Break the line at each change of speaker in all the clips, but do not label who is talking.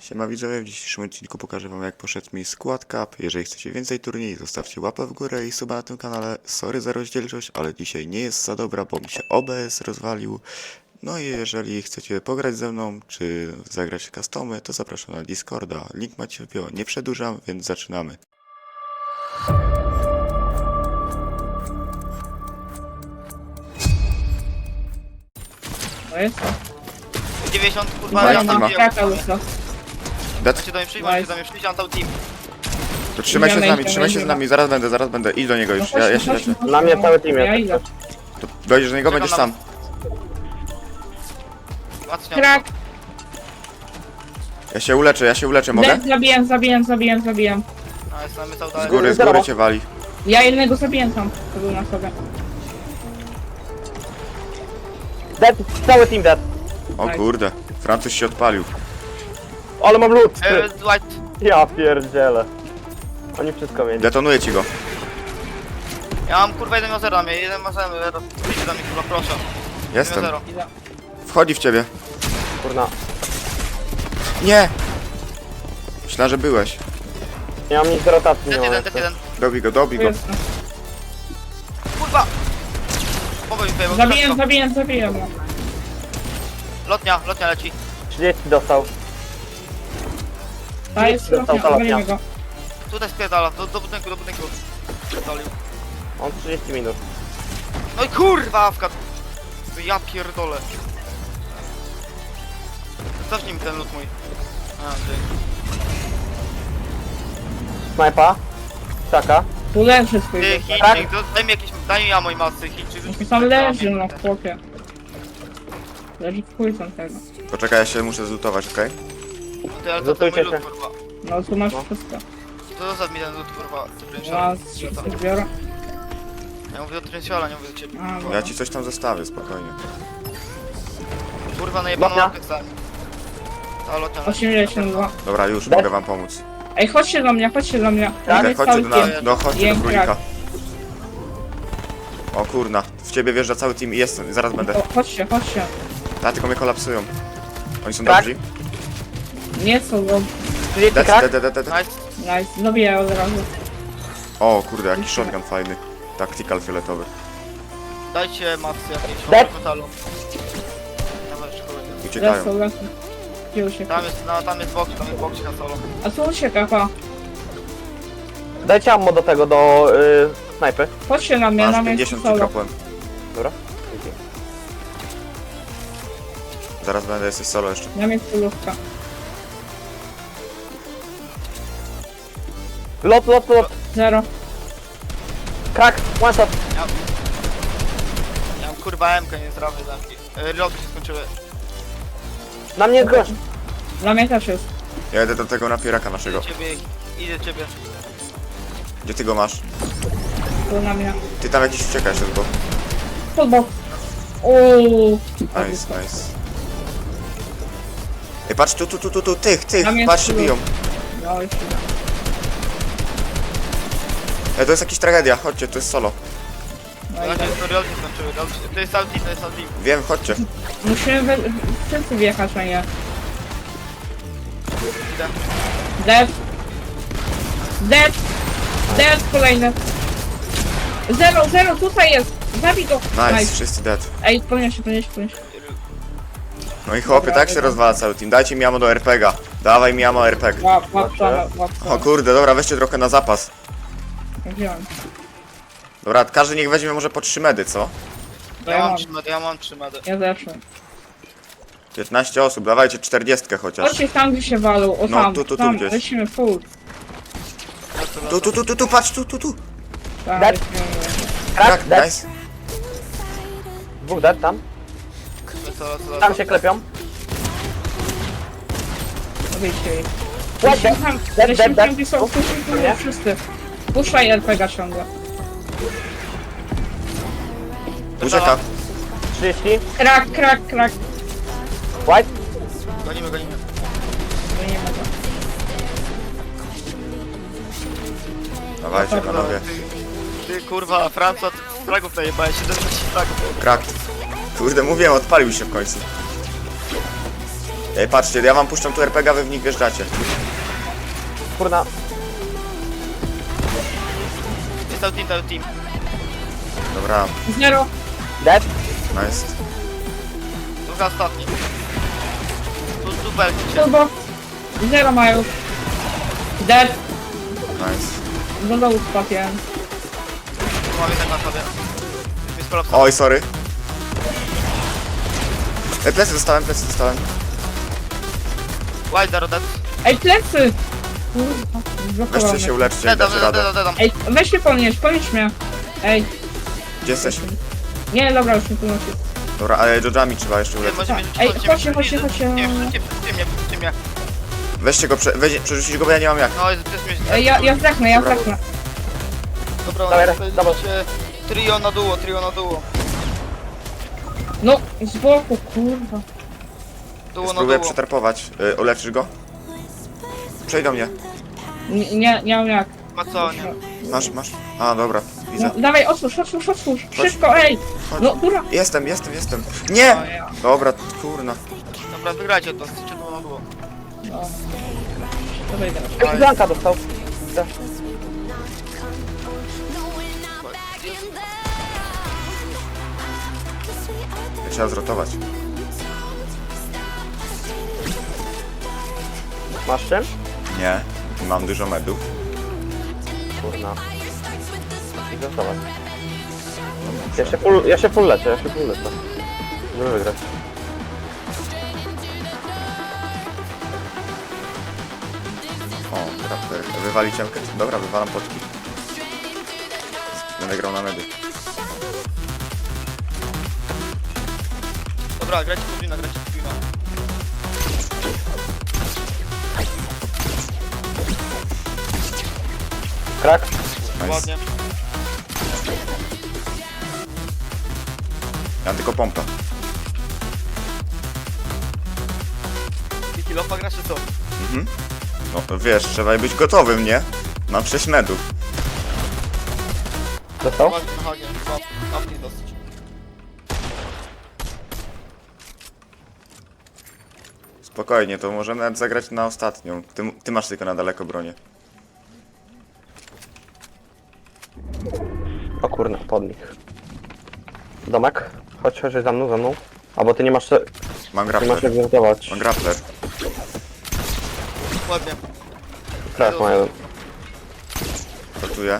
Siema widzowie, w dzisiejszym odcinku pokażę wam jak poszedł mi Squad Cup. Jeżeli chcecie więcej turniej, zostawcie łapę w górę i suba na tym kanale. Sorry za rozdzielczość, ale dzisiaj nie jest za dobra, bo mi się OBS rozwalił. No i jeżeli chcecie pograć ze mną, czy zagrać customy, to zapraszam na Discorda. Link macie w bio. Nie przedłużam, więc zaczynamy.
To jest to.
90 kurwa,
Daj,
ja
teama.
tam
Jaka łysa?
Dat,
do mnie przyjść, możecie do mnie przyjść, mam tam team.
to trzymaj się z
Idziemy,
nami,
idziemy,
trzymaj się z
idziemy.
nami, zaraz będę, idź do niego już, ja się leczę.
Na mnie cały team
jest.
Ja idę.
To dojdziesz do niego,
Czekam
będziesz
na
sam.
Patrzcie,
Krak!
Ja się uleczę, mogę?
Zabijam.
a jest mamy cały
Z góry cię wali.
Ja jednego zabiję tam. To był na sobie.
Dead, cały team dead.
O kurde, Francuz się odpalił.
Ale mam lód.
White,
Ja pierdzielę. Oni wszystko mieli.
Detonuję ci go.
ja mam kurwa 1 0 na mnie, 1 0, przyjdźcie do mnie kurwa, proszę.
Jestem.
0.
Idę.
Wchodzi w ciebie.
Kurna.
Nie! Myślałem, że byłeś.
Nie mam nic do rotacji, nie
Dead
mam
1,
jeszcze.
dead 1.
Dobij go.
Tu jest.
Kurwa! Pomogę mi tutaj, bo
Zabiję.
Lotnia leci.
30 dostał.
Ta jest
Dostał
lotnia,
lotnia.
obalimy go.
Tutaj spierdala, do budynku. Spierdolił.
On 30 minut.
No i kurwa, awka. Ja pierdolę. Cofnij mi ten lód mój. A, dzięki.
Snajpa. Czaka.
Tu leży swój
Ty,
duch.
Chińczyk, daj mi jakieś, daj mi ja mojej masy, Chińczyk.
Jaki tam leży na chłopie. Leży w chuj tam tego.
Poczekaj, ja się muszę zlutować, okej?
Ty, ale to ten mój
Zlutujcie
lód,
się.
kurwa.
No tu masz wszystko.
To zostaw mi ten lód, kurwa.
Ja z zbiorę.
Ja mówię o Trensiola, nie mówię do ciebie.
A,
Ja ci coś tam zostawię, spokojnie.
Kurwa, najebaną
Lotnia.
łapkę stałem. Ta lotnia.
82.
Dobra, już,
Daj.
mogę wam pomóc.
Ej, chodźcie do mnie.
Tak,
Mamy
chodźcie
cały
do
team.
nas, no chodźcie do
Jem
królika.
krak.
O kurna, w ciebie wjeżdża cały team i jestem, zaraz będę.
O, chodźcie.
Ta, tylko mnie kolapsują. Oni są
Tak.
dobrzy?
Nie są go.
30
Dead,
krak.
dead.
Nice.
Nice. Zabiję od razu.
O kurde, jaki shotgun fajny. Tactical fioletowy.
Dajcie macy jakieś,
Dead.
mam metalu. Dawaj, szkoły.
Uciekają.
Lecą. Gdzie ucieka?
Tam jest box na solo.
A co ucieka, pa?
Dajcie ammo do tego, do snajpy.
Chodźcie na mnie, na
Masz
mnie
50 ci
solo.
kropłem.
Dobra.
Zaraz będę, jesteś solo jeszcze.
Na mnie stylówka.
Lot.
0.
Krak. One shot.
Ja mam kurwa MK, nie zrobię zamki. Reloady się skończyły.
Na mnie jest gość.
Dla mnie też jest.
Ja jedę do tego napieraka naszego.
Idę ciebie.
Gdzie ty go masz?
Tu na mnie.
Ty tam jakiś uciekasz od go.
Podbok. Uuu.
Nice. Ej, patrz, tu, tych,
Tam jest
patrz, się
tu.
biją.
No już idę.
Ej, to jest jakaś tragedia, chodźcie, to jest solo.
No
Znaczy,
idę.
to reloady się skończyły. To jest cały team.
Wiem, chodźcie.
Musimy wszyscy wjechać na nie.
Idę.
Dead kolejny. 0, tutaj jest. Zabij go.
Nice, wszyscy dead.
Ej, podnieś się.
No i chłopie, tak się rozwala cały team. Dajcie mi ammo do RPG. Dawaj mi ammo RPG.
Łap.
O kurde, dobra, weźcie trochę na zapas.
Wziąłem.
Dobra, każdy niech weźmie może po 3 medy, co?
Ja mam 3 medy.
Ja zeszłem.
15 osób, dawajcie 40 chociaż.
Chodźcie tam, gdzie się walą. O
No,
tam,
tu
tam.
gdzieś.
Lecimy full.
Tu, patrz, tu.
Tam,
Dead.
lecimy.
Tak,
Dead.
nice.
Dwóch dead tam. Tam się klepią.
Wyjście ich.
Dead, dead.
Tam,
Dead,
lecimy
dead.
tam, gdzie są
Nie?
wszyscy. Puszczaj RPG ciągle.
Ucieka.
30.
Krak.
White.
Gonimy.
Wyjdziemy go.
Dawajcie panowie.
Ty kurwa, Franca, ty fragów najebałeś, 70 fragów.
Krak. Kurde, mówiłem, odpalił się w końcu. Ej, patrzcie, ja wam puszczam tu RPG, a wy w nich wjeżdżacie.
Kurna.
Jest cały team.
Dobra,
Zero.
Dead?
nice.
Druga ostatni. Tu belki się.
Turbo. Zero mają. Dead.
Nice.
Do dołu spadł jeden.
Tu mam jednak na sobie. Jest kolapsa.
Oj, sorry. Ej, plecy dostałem.
Wild Zero dead.
Ej, plecy! Kurwa, zblokowałem.
Weźcie się uleczcie i
Dedam,
dacie radę.
dedam.
Ej, weź mnie podnieś mnie. Ej,
Gdzie jesteś?
nie, dobra, już mnie podnosi.
Dobra, ale dodżami trzeba jeszcze
Nie,
uleczyć.
możemy
Ej,
rzucić,
chodźcie.
Nie, przerzućcie mnie.
Weźcie go, przerzucić go, bo ja nie mam jak.
No, jest mnie.
Ej, ja zdechnę.
Dobra,
Dawaj,
powiedzieć,
dawaj.
Trio na duo.
No, z boku, kurwa.
Duo na
Spróbuję
duo.
przetarpować. Uleczysz go? Przejdź do mnie.
Nie mam jak.
Ma co, nie?
Masz. A, dobra, widzę.
No, dawaj, otwórz. Szybko, ej.
Chodź.
No, dobra.
Jestem. Nie!
O, ja.
Dobra, kurna.
Dobra, wygrajcie to, chcecie duo na duo.
No. Dawaj, teraz.
Ej, Blanka dostał.
Trzeba zrotować.
Masz czym?
Nie, mam dużo medów.
Kurna. I gotować. Ja się full leczę. Żeby wygrać.
O, raptor. Wywali ciemkę. Dobra, wywalam potki. Będę grał na medy.
Dobra, grajcie podwójna.
Krak?
Nice.
Ładnie.
Ja mam tylko pompę.
Wiki Lopa grasz czy co?
Mhm. No wiesz, trzeba być gotowym, nie? Mam 6 medów.
Dostał?
Ładnie na hagie, łapnie dosyć.
Spokojnie, to możemy nawet zagrać na ostatnią. Ty masz tylko na daleko bronię.
O kurna, pod nich. Domek? Chodź za mną. Albo ty nie masz
Mam
nie masz
grappler.
jak zmontować.
Mam grappler.
Ładnie.
Krak ma jeden.
Rotuję.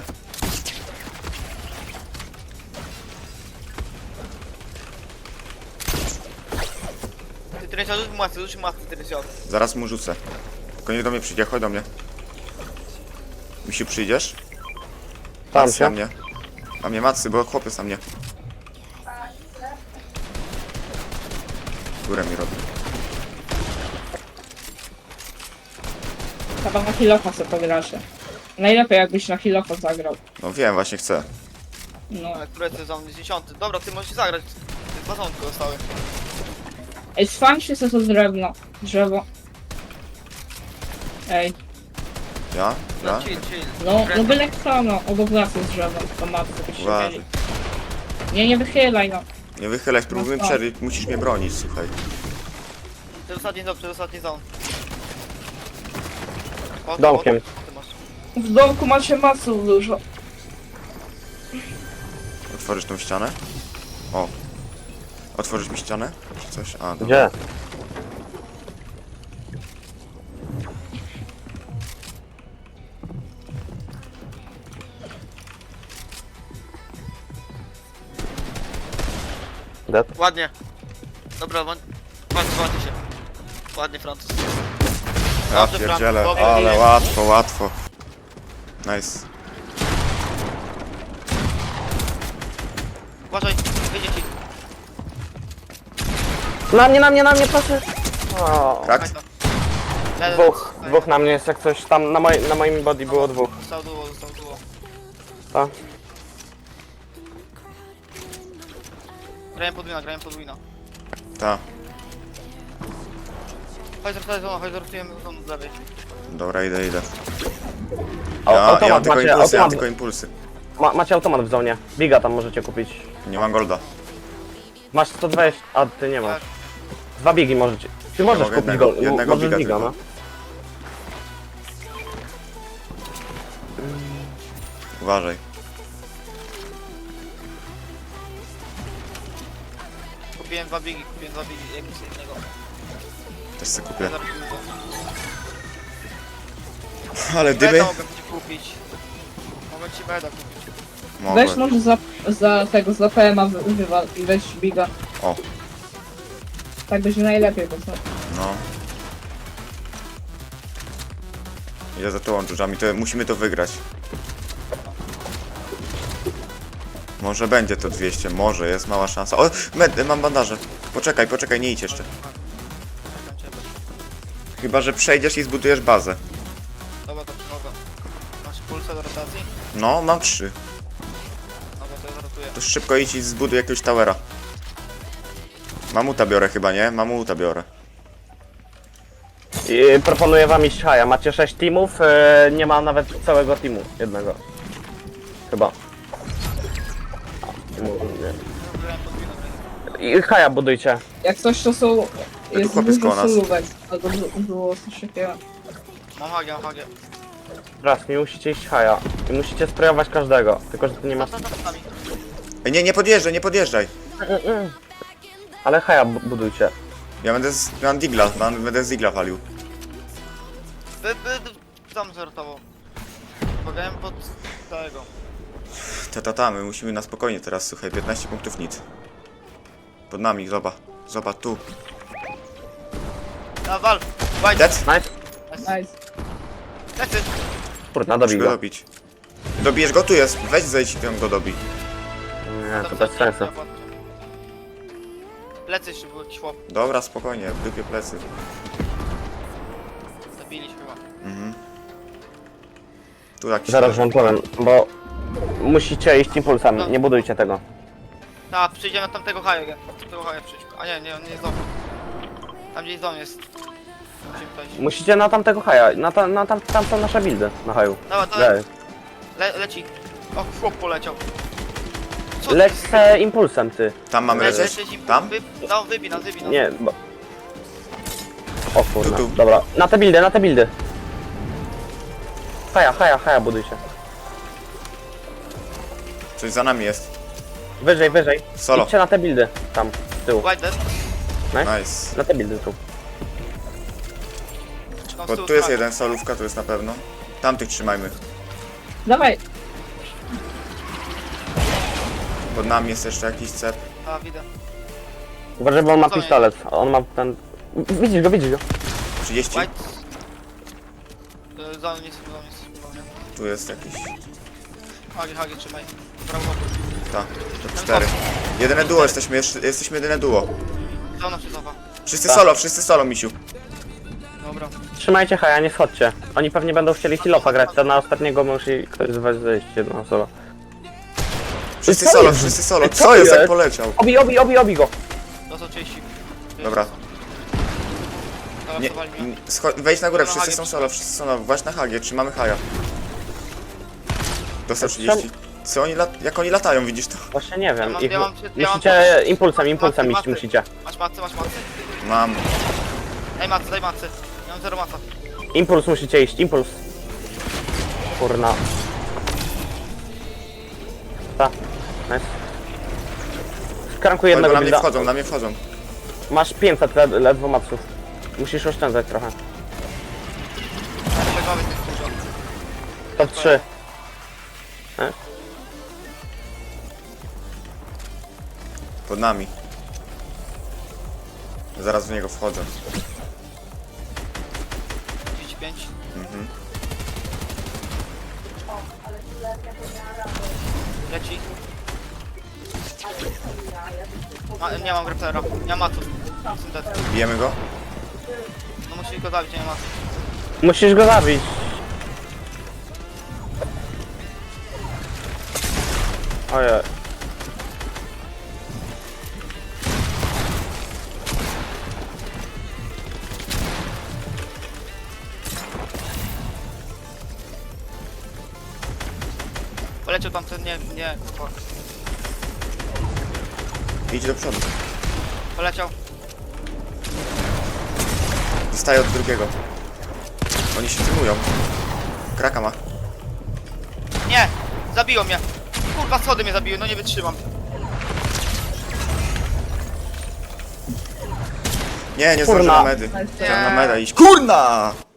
Ty Teresia, rzuć masy, Teresia.
Zaraz mu rzucę. Tylko nie do mnie przyjdzie, chodź do mnie. Misiu, przyjdziesz?
Tam
Macy na
się.
mnie. Na mnie macy, bo chłopiec na mnie. Górę mi robi.
Chyba na Hilofa sobie pogracie. Najlepiej jakbyś na Hilofa zagrał.
No wiem, właśnie chcę.
No.
Ale które to jest za mnie 10? Dobra, ty możesz zagrać. Dwa są tylko zostały.
Ej, sfańcie sobie to drzewo. Ej,
Ja?
No chill.
no byle kto, no, obok nas jest drzewo, to matko byście
Uważaj.
mieli. Nie wychylaj, no.
Nie wychylaj, spróbujmy
No,
przeżyć, musisz mnie bronić, słuchaj.
Przedostatni zon. O,
Domkiem.
Ty masz.
W domku macie masów dużo.
Otworzysz tą ścianę? O. Otworzysz mi ścianę? Czy coś? A, dobra.
Gdzie? Dead?
Ładnie. Dobra, ładnie się. Ładnie, Francuz.
Ja
Dobrze,
pierdzielę,
Frank, dobrze.
ale łatwo. Nice.
Uważaj, wyjdzie ci.
Na mnie, proszę! O,
Krak?
dwóch na mnie jest jak coś tam, na moim body było dwóch.
Został duo.
Tak?
Grałem podwójna.
Ta.
Chodź, zrotujemy zon z lewej.
Dobra, idę.
O,
Ja mam
automat
tylko
macie,
impulsy,
automat. Macie automat w zonie. Biga tam możecie kupić.
Nie mam golda.
Masz 120, a ty nie masz. 2 biegi możecie. Ty możesz
mogę
kupić
jednego-
go,
jednego
możesz
biga
biga,
tylko.
no.
Uważaj.
Kupiłem 2 biegi, jakiś innego.
Też sobie kupię.
Zaraz kupię.
Ale dymy?
Beda mogę ci kupić. Mogę ci beda kupić.
Weź
Mogę.
może za tego, za PMA wywal i weź biga.
O,
Tak będzie najlepiej, bo co?
no. Idę za tą dżdżami, to musimy to wygrać. Może będzie to 200, może, jest mała szansa. O, mam bandaże. Poczekaj, nie idź jeszcze.
Czekam ciebie.
Chyba, że przejdziesz i zbudujesz bazę.
Dobra, to przychodzę. Masz pulsę do rotacji?
No, mam 3.
Dobra, to ja zrotuję.
To szybko idź i zbuduj jakiegoś towera. Mamuta biorę chyba, nie? Mamuta biorę.
I proponuję wam iść haja. Macie 6 teamów, nie ma nawet całego teamu. Jednego. Chyba. Nie.
Zrobiłem podwójną rękę.
I haja budujcie.
Jak coś to są... Jest
chłopiec koło
dużo
nas.
solówek. Albo było coś takiego.
Mam hagię.
Raz, nie musicie iść haja. I musicie sprayować każdego. Tylko, że ty nie masz...
Za nami.
Ej, nie podjeżdżaj.
Ale haja budujcie.
Ja mam digla, będę z digla walił.
Tam zertował. Pogałem pod tego.
My musimy na spokojnie teraz, słuchaj, 15 punktów nic. Pod nami, zobacz tu.
A wal! Wajt!
Dead?
Nice.
Nice.
Lecy!
Kurna,
Muszę
dobij
go
go.
dobić. Dobijesz go, tu jest. Weź zejdź i tam go dobij.
Nie, to bez sensu.
Plecy jeszcze był jakiś chłop.
Dobra, spokojnie, w dupie plecy.
Zabiliśmy chyba.
Mhm. Tu jakiś...
Zaraz wam powiem, bo musicie iść impulsami, nie budujcie tego.
Tak, przyjdziemy na tamtego haja. Tamtego haja przyjdź. A nie, on nie jest dom. Tam gdzieś dom jest. Musimy przejść.
Musicie na tamtego haja, tam są nasze buildy na haju.
Dobra, to
Dalej.
leci. O, chłop poleciał. Co
Leć se impulsem, ty.
Tam mamy
Leci,
lecieć?
leci,
Tam?
No, wybij nas.
Nie, bo... O kurna,
Tu.
dobra. Na te buildy. Haja, budujcie.
Coś za nami jest.
Wyżej.
Solo.
Idźcie na te buildy, tam, z tyłu.
White dead.
Nice.
Na te buildy tu.
Czekam z
Bo
tyłu
tu jest
strony.
jeden, solówka tu jest na pewno. Tamtych trzymajmy.
Dawaj.
Pod nami jest jeszcze jakiś cep.
A, widzę.
Uważaj, bo on ma
Co nie?
pistolet, on ma ten... Widzisz go.
30.
White. Za mnie jest.
Tu jest jakiś...
Hagi, trzymaj. Prawo boku.
Ta, to 4. Jedyne duo jesteśmy jedyne duo.
Za mną się cofa.
Wszyscy solo, misiu.
Dobra.
Trzymajcie haja, nie schodźcie. Oni pewnie będą chcieli heal-offa grać, to na ostatniego musi ktoś z was zejść jedną solo.
Wszyscy
Co jest?
solo.
Co
Co jest, jak
jest?
poleciał?
Obi go!
To są 30.
Dobra.
Dobra,
Nie,
przewali mnie.
wejdź na górę,
Na
wszyscy
hagie
są solo, Właśnie na hagie, trzymamy haja. Dostał 30. Co oni jak oni latają, widzisz to?
Właśnie nie wiem,
Ja mam-
musicie impulsem
Macy,
iść musicie.
Masz macy.
Mam.
Daj macy. Ja mam 0 maca.
Impuls musicie iść, impuls. Kurna. Ta, nice. Skrankuję
Bo
jednego
na mnie
builda.
wchodzą,
Masz 500 ledwo maców. Musisz oszczędzać trochę.
Przegramy tych dużo.
Top 3.
Pod nami. Zaraz w niego wchodzę.
35.
Mhm.
Leci. Nie mam grapplera. Nie mam matów. Syntet.
Bijemy go?
No musisz go zabić, nie ma matów.
Musisz go zabić. Ojej.
Poleciał tam ten, nie.
Idź do przodu.
Poleciał.
Dostaję od drugiego. Oni się teamują. Kraka ma.
Nie! Zabiło mnie! Kurwa, schody mnie zabiły, no nie wytrzymam.
Nie, nie
Kurna.
zdążę na medy. Chciałem na meda iść. Kurna!